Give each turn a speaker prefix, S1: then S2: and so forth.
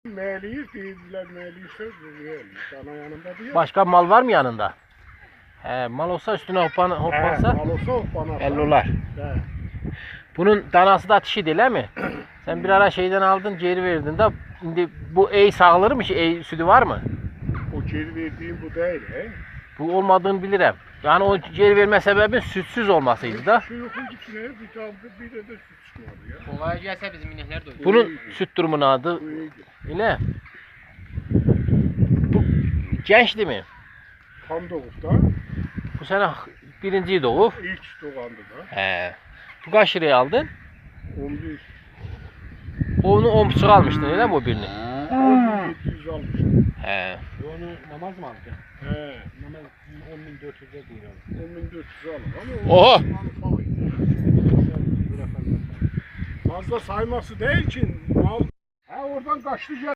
S1: Meliyiz değildiler, meliyiz sözlüğü. Sana yanında diyor.
S2: Başka mal var mı yanında? He, mal olsa üstüne hoppansa
S1: Mal olsa hoppana.
S2: 50 dolar.
S1: He.
S2: Bunun danası da atışi değil mi? Sen bir ara şeyden aldın, geri verdin de şimdi bu ey sağılır mı? Ey sütü var mı?
S1: O geri verdiğim bu değil he.
S2: Bu olmadığını bilirim. Yani o geri verme sebebin sütsüz olmasıydı da.
S1: Şu yokun içine bir tane bir de süt çıkmadı ya.
S3: Kolay gelse bizim inekler de
S2: Bunun süt durumunun adı
S1: Bu iyiydi.
S2: ne? Bu gençti mi?
S1: Tam doğukta
S2: Bu sene birinci doğu.
S1: ilk doğandı da.
S2: He. Bu kaç liraya aldın?
S1: 11.
S2: Onu 10,5 almıştın öyle mi o birini?
S1: 11.700 almıştım.
S2: He.
S3: Onu namaz mı aldı?
S1: He.
S3: Namaz 10.400'e değil o.
S1: 10.400 alır ama
S2: Oha!
S1: o fazla sayması değil ki mal. Ha oradan kaçtı